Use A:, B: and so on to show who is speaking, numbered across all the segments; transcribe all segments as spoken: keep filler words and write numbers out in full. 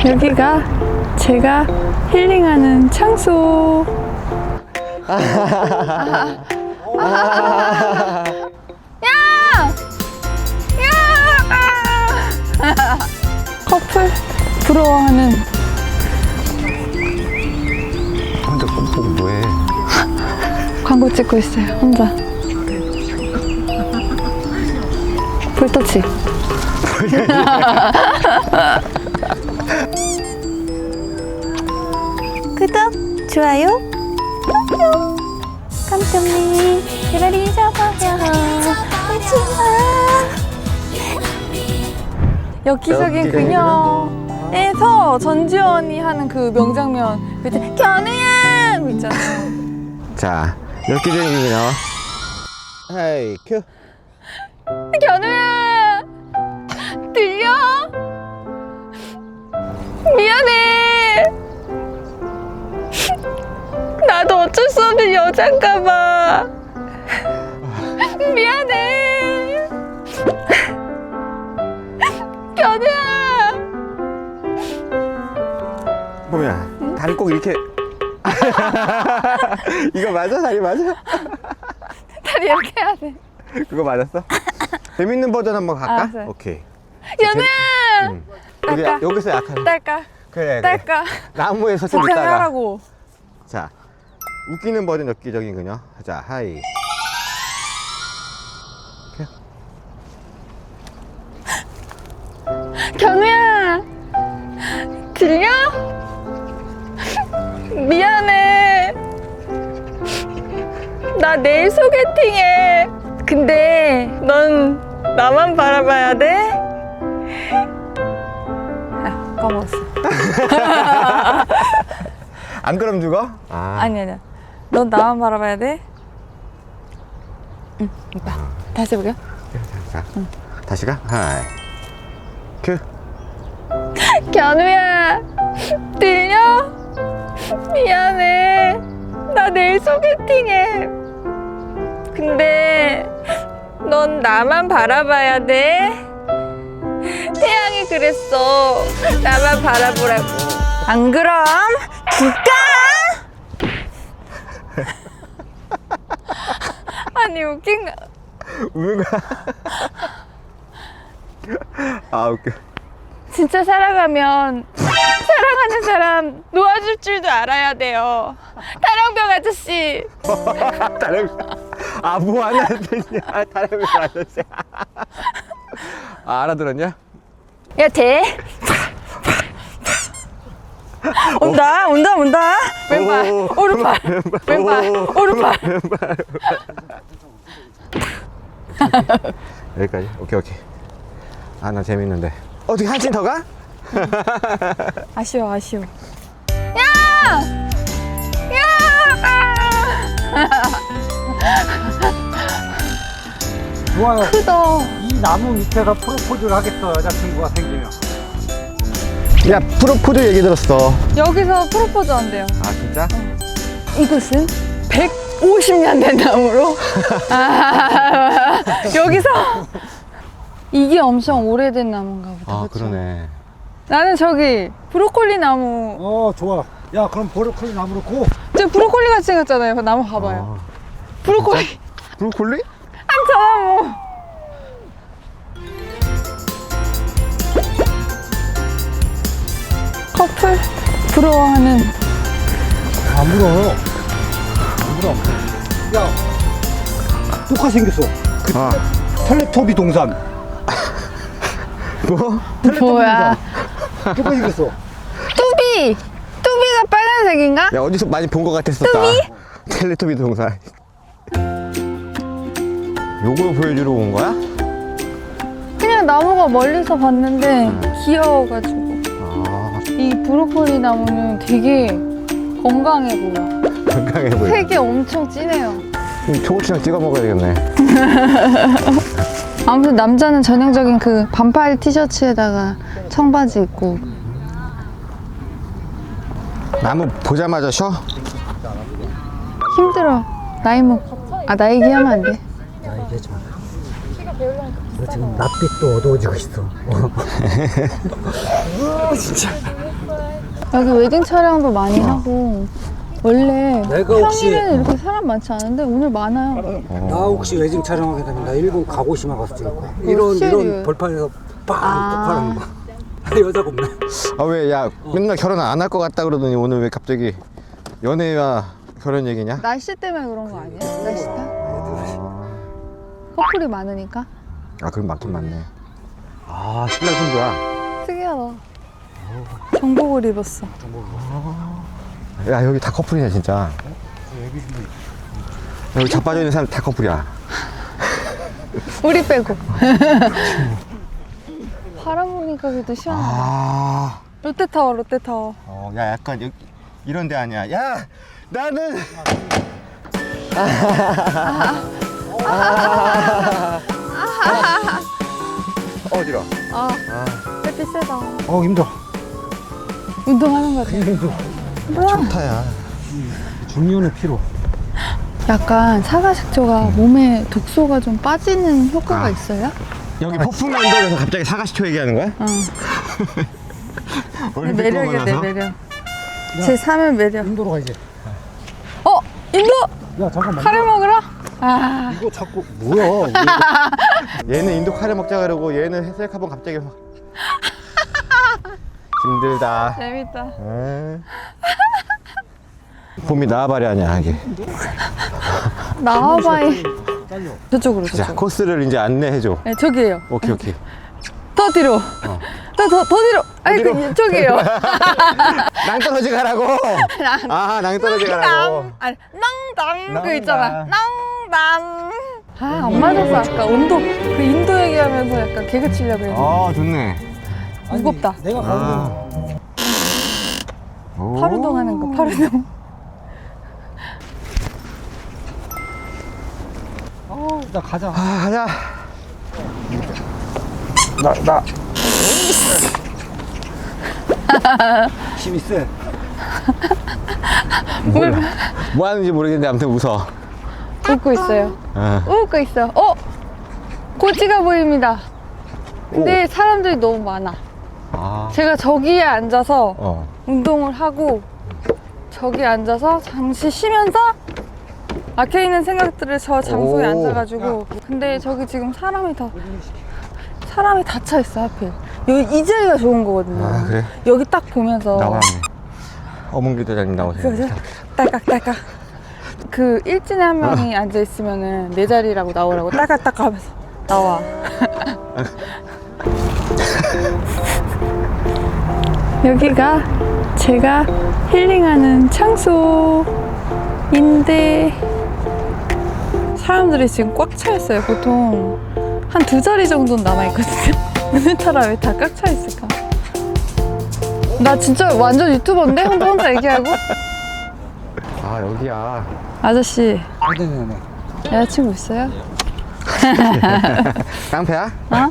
A: 여기가 제가 힐링하는 장소. 야! 야! 커플 부러워하는.
B: 혼자 꼭 보고 뭐해?
A: 광고 찍고 있어요, 혼자. 불터치. 구독, 좋아요, 뿅뿅. 깜짝님, 대가리 잡아요. 오지마. 엽기적인 그녀에서 전지현이 하는 그 명장면, 그 있잖아, 견우야! 그 있잖아.
B: 자, 엽기적인 그녀. 하이 큐.
A: 견우야! 들려? 미안해. 나도 어쩔 수 없는 여잔가 봐. 미안해. 견우야!
B: 뭐야? 다리 꼭 이렇게. 이거 맞아? 다리 맞아?
A: 다리 이렇게 해야 돼.
B: 그거 맞았어? 재밌는 버전 한번 갈까?
A: 알았어요.
B: 오케이.
A: 견우야!
B: 응. 여기,
A: 딸까?
B: 여기서 약한.
A: 딸까?
B: 그래, 그래.
A: 딸까?
B: 나무에서 좀
A: 적당히
B: 있다가.
A: 하라고.
B: 자, 웃기는 버전 엽기적인 그녀. 자, 하이. 큐.
A: 견우야! 들려? 미안해. 나 내일 소개팅해. 근데 넌 나만 바라봐야 돼? 아, 까먹었어.
B: 안 그럼 죽어? 아.
A: 아니 아니야. 넌 나만 바라봐야 돼? 응, 오빠. 다시 해볼게요.
B: 자, 응. 다시 가. 하이. 큐.
A: 견우야, 들려? 미안해. 나 내일 소개팅해. 근데 넌 나만 바라봐야 돼? 태양이 그랬어. 나만 바라보라고. 안 그럼 죽까? 아니 웃긴가?
B: 우는 거야? 아, 웃겨.
A: 진짜 살아가면 사랑하는 사람 놓아줄 줄도 알아야 돼요. 타령병 아저씨.
B: 다른, 아, 뭐 하는 뜻이야? 다른 거 아저씨. 아, 알아들었냐?
A: 야 돼. 온다 온다 온다. 왼발
B: 오,
A: 오른발 왼발
B: 오,
A: 오른발.
B: 여기까지. 오케이, 오케이. 아, 나 재밌는데. 어떻게 한층 더 가?
A: 아쉬워 아쉬워. 야! 야!
C: 좋아요.
A: 크다.
C: 이 나무 밑에서 프로포즈를 하겠어, 여자친구가 생기면.
B: 야, 프로포즈 얘기 들었어.
A: 여기서 프로포즈 한대요.
B: 아, 진짜?
A: 이곳은 백오십 년 된 나무로. 아, 여기서 이게 엄청 오래된 나무인가 보다.
B: 아,
A: 그쵸?
B: 그러네.
A: 나는 저기 브로콜리 나무.
C: 어, 좋아. 야, 그럼 브로콜리 나무로 고.
A: 저 브로콜리 같이 생겼잖아요. 그 나무 봐봐요.
B: 아,
A: 브로콜리.
B: 브로콜리?
A: 한자나무. 커플 부러워하는.
C: 안 물어. 안 물어. 야, 똑같이 생겼어. 그
B: 아,
C: 텔레토비 동산.
B: 뭐?
A: 뭐야?
C: 똑같이 생겼어.
A: 뚜비. 뚜비가 빨간색인가?
B: 야, 어디서 많이 본 것 같았었다. 텔레토비 동산. 요걸 보여주러 온 거야?
A: 그냥 나무가 멀리서 봤는데 귀여워가지고.
B: 아,
A: 이 브로콜리 나무는 되게 건강해 보여.
B: 건강해 보여.
A: 색이 엄청 진해요.
B: 초고추장 찍어 먹어야 되겠네.
A: 아무튼 남자는 전형적인 그 반팔 티셔츠에다가 청바지 입고.
B: 나무 보자마자 쉬어?
A: 힘들어. 나이 먹. 아, 나 얘기하면 안 돼.
C: 나 얘기하지 마. 너 지금 낯빛도 어두워지고 있어. 어. 진짜.
A: 여기 웨딩 촬영도 많이 하고 원래
C: 내가 혹시-
A: 평일에는 이렇게 사람 많지 않은데 오늘 많아요.
C: 나 혹시 웨딩 촬영하게 되면 나 일본 가고시마 가서 찍을 거야. 이런
A: 시리얼.
C: 이런 벌판에서 빵
A: 아.
C: 폭발하는 거. 여자가 없네.
B: 아 왜 야 맨날 결혼 안 할 것 같다 그러더니 오늘 왜 갑자기 연애와 결혼 얘기냐?
A: 날씨 때문에 그런 거 아니야? 날씨 탓? 커플이 많으니까?
B: 아 그럼 맞긴 맞네. 아 신랑 신부야.
A: 특이하다. 정복을 입었어.
B: 야 여기 다 커플이네 진짜. 여기 자빠져 있는 사람 다 커플이야.
A: 우리 빼고. 바람 부니까 그래도 시원하다.
B: 아,
A: 롯데타워, 롯데타워.
B: 어, 야 약간 여기 이런 데 아니야. 야 나는. 어지러.
A: 아, 햇빛 세다.
C: 어 힘들어.
A: 운동하는 거지.
C: 힘들어.
A: 뭐야?
B: 타야.
C: 중년의 피로.
A: 약간 사과식초가 몸에 독소가 좀 빠지는 효과가
B: 아.
A: 있어요?
B: 여기 폭풍 언덕에서 갑자기 사과시초 얘기하는 거야?
A: 응.
B: 올림픽
A: 매력이야,
B: 보고
A: 내
B: 나서?
A: 매력. 제 삶의 매력.
C: 인도로 가 이제.
A: 어? 인도!
C: 야 잠깐만.
A: 카레 먹으러? 아,
C: 이거 자꾸 뭐야?
B: 얘는 인도 카레 먹자 그러고 얘는 셀카본 갑자기 확. 힘들다.
A: 재밌다.
B: 에이. 봄이 나와바리 아니야 이게.
A: 나와봐이. 저쪽으로,
B: 자
A: 저쪽.
B: 코스를 이제 안내해줘.
A: 네, 저기에요.
B: 오케이 오케이.
A: 더 뒤로. 더, 더, 더 뒤로. 아니, 그,
B: 어디로?
A: 이쪽이에요.
B: 낭떠러지 가라고. 아 낭떠러지 가라고.
A: 낭, 아니, 낭당.
B: 낭당.
A: 그 있잖아. 낭당. 아, 안 맞았어. 아까 온도, 그 인도 얘기하면서 약간 개그 치려고 했는데.
B: 어 좋네.
A: 무겁다.
C: 내가 가는 거.
B: 오.
A: 파루동 하는 거, 파루동.
C: 어, 나 가자.
B: 아 가자.
C: 나 나. 힘이 세.
B: 몰라. 뭐 하는지 모르겠는데 아무튼 웃어.
A: 웃고 있어요.
B: 어.
A: 웃고 있어. 어? 고지가 보입니다. 근데 사람들이 너무 많아.
B: 아.
A: 제가 저기에 앉아서
B: 어.
A: 운동을 하고 저기 앉아서 잠시 쉬면서 막혀 있는 생각들을 저 장소에
B: 오.
A: 앉아가지고. 근데 저기 지금 사람이 다 사람이 다 차 있어 하필. 여기 이 자리가 좋은 거거든요.
B: 아, 그래?
A: 여기 딱 보면서
B: 나와네. 어문기 대장님 나오세요.
A: 그죠? 딸깍딸깍. 그 일진에 한 명이 앉아 있으면은 내 자리라고 나오라고 딸깍딸깍 하면서 나와. 여기가 제가 힐링하는 장소인데 사람들이 지금 꽉 차 있어요. 보통 한 두 자리 정도는 남아 있거든요. 오늘따라 왜 다 꽉 차 있을까? 나 진짜 완전 유튜버인데? 혼자 혼자 얘기하고?
B: 아 여기야.
A: 아저씨,
C: 네네네.
A: 여자친구 있어요?
B: 깡패야?
A: 어?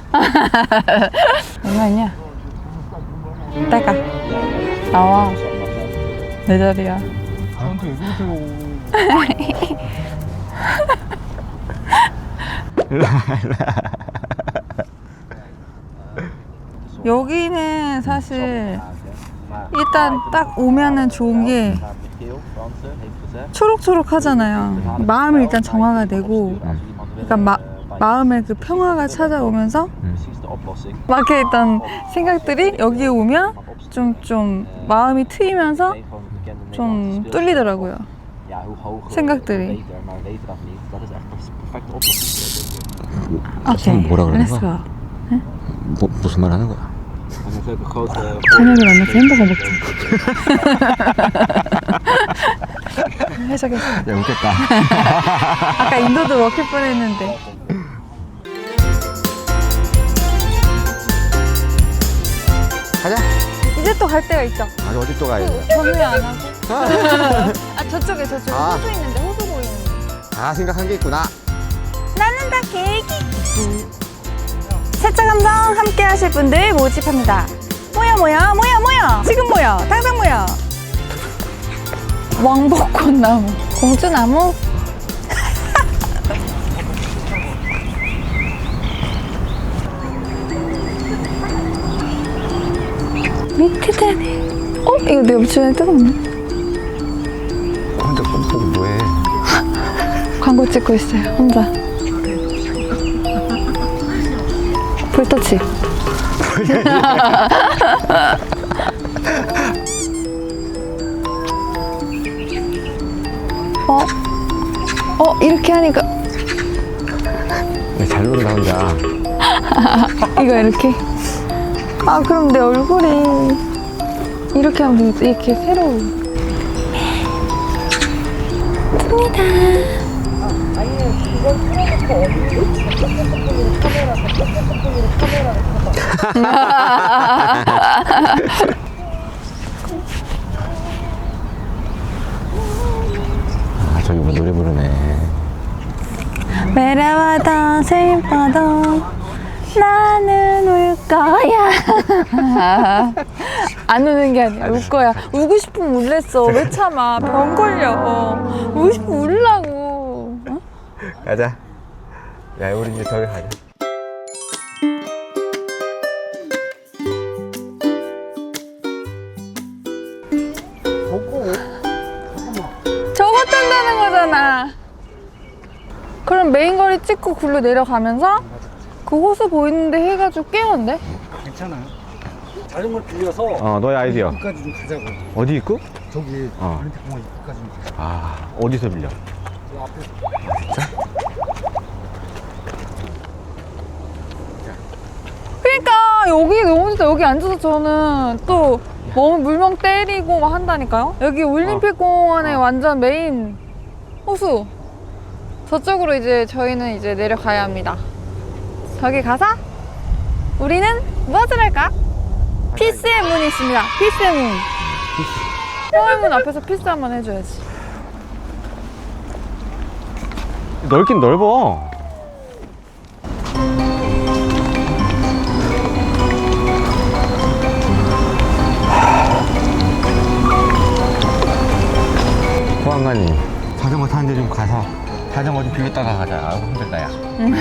A: 얼마냐? 따가 나와. 내 자리야.
C: 저한테 왜 그러세요?
A: 여기는 사실 일단 딱 오면은 좋은 게 초록초록 하잖아요. 마음이 일단 정화가 되고, 그러니까 마, 마음의 그 평화가 찾아오면서 막혀있던 생각들이 여기 오면 좀, 좀 마음이 트이면서 좀 뚫리더라고요. 생각들이. 오케이,
B: 뭐라 그러는
A: 렛츠고.
B: 거야? 뭐, 무슨 말 하는 거야?
A: 저녁에 만나서 햄버거 먹자. 해석했어.
B: 야 웃겠다.
A: 아까 인도도 먹힐 뻔했는데.
B: 가자.
A: 이제 또 갈 때가 있죠.
B: 아주 어디 또 가야 돼?
A: 정리 안 하고. 아 저쪽에 저쪽에
B: 아.
A: 호수 있는데 호수 보이는데.
B: 아 생각한 게 있구나.
A: 나는 다 계획이. 세차 감성 함께 하실 분들 모집합니다. 모여 모여 모여 모여. 지금 모여. 당장 모여. 왕복꽃나무, 공주나무. 밑에다네. 어? 이거 내 옆치원에 뜨겁네.
B: 혼자 꼼 보고 뭐해?
A: 광고 찍고 있어요, 혼자. 볼터치. 어? 어? 이렇게 하니까
B: 잘 노래 나온다.
A: 이거 이렇게. 아 그럼 내 얼굴이 이렇게 하면 되겠지. 이렇게 새로.
B: 아 저기 뭐 노래 부르네.
A: 외로워도 슬퍼도 나는 울 거야. 안 우는 게 아니라 울 거야. 울고 싶으면 울랬어. 왜 참아? 병 걸려. 울고 싶으면 울라고. 어?
B: 가자. 야 우리 이제 저기 가자.
A: 저거 탄다는 거잖아. 그럼 메인 거리 찍고 굴로 내려가면서 그 호수 보이는데 해가지고 깨운데?
C: 괜찮아요. 자전거를 빌려서
B: 어 너의 아이디어.
C: 여기까지 좀 가자고.
B: 어디 있고?
C: 저기
B: 어.
C: 아르테 공원 입구까지 좀 가자.
B: 아 어디서 빌려?
C: 저 앞에
A: 그러니까 여기 너무 좋다. 여기 앉아서 저는 또 몸 물멍 때리고 막 한다니까요. 여기 올림픽 공원의 완전 메인 호수. 저쪽으로 이제 저희는 이제 내려가야 합니다. 저기 가서 우리는 무엇을 할까? 피스의 문이 있습니다. 피스의 문. 평화의 문 앞에서 피스 한번 해줘야지.
B: 넓긴 넓어. 보안관님 자전거 타는 데 좀 가서 자전거 좀 빌렸다가 가자. 아우 힘들다 야.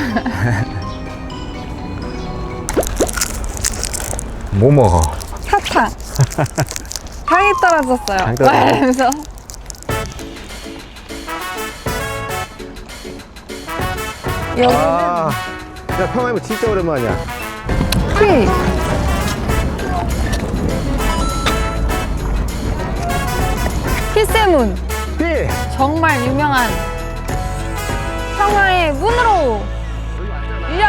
B: 뭐 먹어?
A: 사탕. 당이 떨어졌어요.
B: 당이 떨어졌어?
A: 말하면서. 여기는
B: 아, 야 평화이모 진짜 오랜만이야.
A: 피. 피스문.
B: 삐!
A: 정말 유명한 평화의 문으로 일려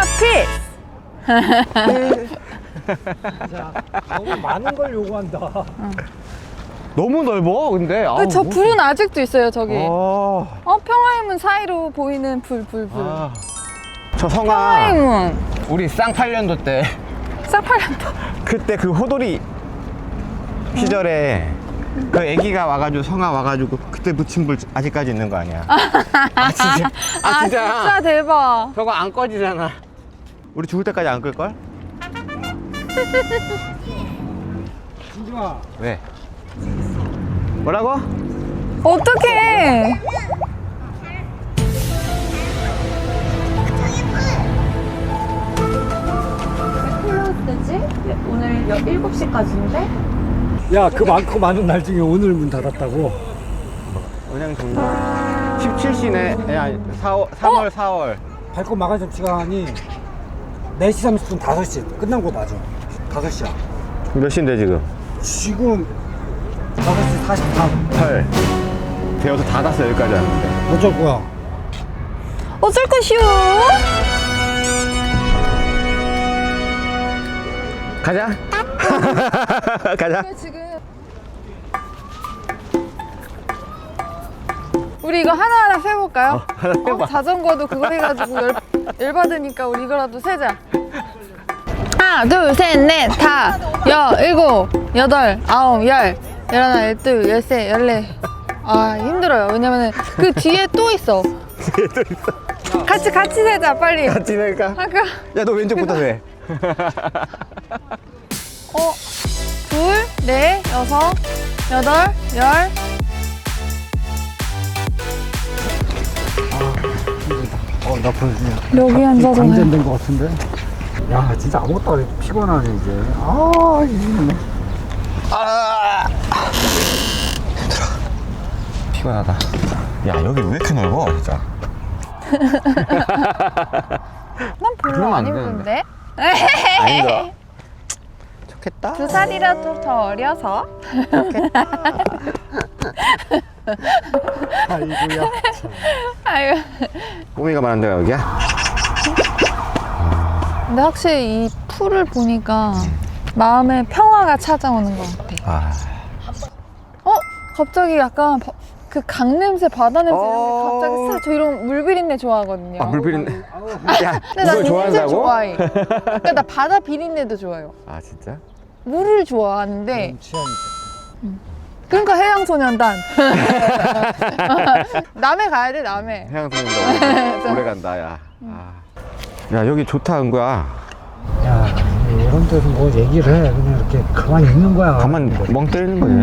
A: 피스.
C: 자, 너무 많은 걸 요구한다.
B: 너무 넓어 근데. 아우,
A: 그 저
B: 뭐-
A: 불은 아직도 있어요 저기.
B: 어.
A: 어 평화의 문 사이로 보이는 불 불 불.
B: 아. 저
A: 평화의
B: 성아
A: 문.
B: 우리 쌍팔년도 때
A: 쌍팔년도.
B: 그때 그 호돌이 시절에 그 애기가 와가지고 성아 와가지고 그때 붙인 불 아직까지 있는 거 아니야? 아 진짜? 아
A: 아
B: 진짜?
A: 진짜 대박.
B: 저거 안 꺼지잖아. 우리 죽을 때까지 안 끌걸?
C: 진중아,
B: 왜? 뭐라고?
A: 어떡해. 클로즈되지? 오늘 일곱 시까지인데?
C: 야, 그 많고 많은 날 중에 오늘 문 닫았다고.
B: 은행 종료 십칠 시네. 야 사월, 삼월 사월.
C: 발권 마감 시간이 네 시 삼십 분 다섯 시 끝난 거 맞아. 다섯 시야.
B: 몇 시인데 지금?
C: 지금 다섯 시 사십삼.
B: 헐 되어서 닫았어 여기까지 왔는데.
C: 어쩔 거야?
A: 어쩔 것이오?
B: 가자. 가자.
A: 지금 우리 이거 하나하나 세볼까요?
B: 어, 하나 세봐.
A: 어, 자전거도 그거 해가지고 열, 열받으니까 우리 이거라도 세자. 하나 둘셋넷다 여 일곱 여덟 아홉 열 열하나 열둘 열세 열네. 아 힘들어요. 왜냐면은 그 뒤에 또 있어.
B: 뒤에 또 있어.
A: 같이 같이 세자 빨리.
B: 같이 내니까.
A: 아까
B: 야 너 왼쪽부터 세.
A: 어 둘, 넷, 여섯, 여덟, 열.
C: 어, 나 벌써
A: 여기 앉아서
C: 방전된 거 같은데? 야, 진짜 아무것도 안 해도 피곤하네, 이제. 아, 이게.
B: 아, 피곤하다. 야, 여기 왜 이렇게 넓어, 진짜?
A: 난 별로
B: 그러면
A: 안
B: 안
A: 이쁜데?
B: 아니다. 좋겠다.
A: 두 살이라도 더 어려서.
C: 아이고야.
A: 아유.
B: 꼬미가 많은 데가 여기야?
A: 근데 확실히 이 풀을 보니까 마음에 평화가 찾아오는 것 같아.
B: 아.
A: 어? 갑자기 약간 바- 그 강 냄새, 바다 냄새 이런 게
B: 어.
A: 갑자기 싹. 저 이런 물비린내 좋아하거든요.
B: 아, 물비린내. 야,
A: 근데 나
B: 이걸
A: 이 냄새
B: 좋아한다고?
A: 좋아해. 그러니까 나 바다 비린내도 좋아요.
B: 아, 진짜?
A: 물을 좋아하는데
C: 음, 취향이
A: 그러니까 해양소년단. 남해 가야 돼, 남해.
B: 해양소년단 오래 간다, 야. 아. 야, 여기 좋다, 은구야.
C: 야, 이런 데서 뭐 얘기를 해. 그냥 이렇게 가만히 있는 거야.
B: 가만 멍 때리는 거지.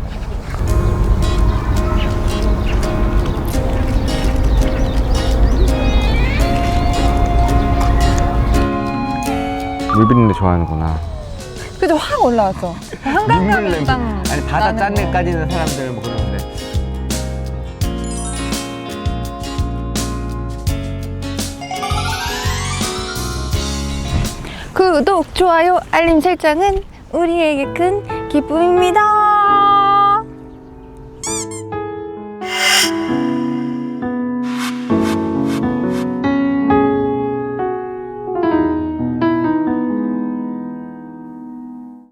B: 물비린내 좋아하는구나.
A: 그죠? 확 올라왔어. 한강가면 딱
B: 아니, 바다
A: 나는
B: 짠
A: 거.
B: 데까지는 사람들은 뭐 그러는데.
A: 구독, 좋아요, 알림 설정은 우리에게 큰 기쁨입니다.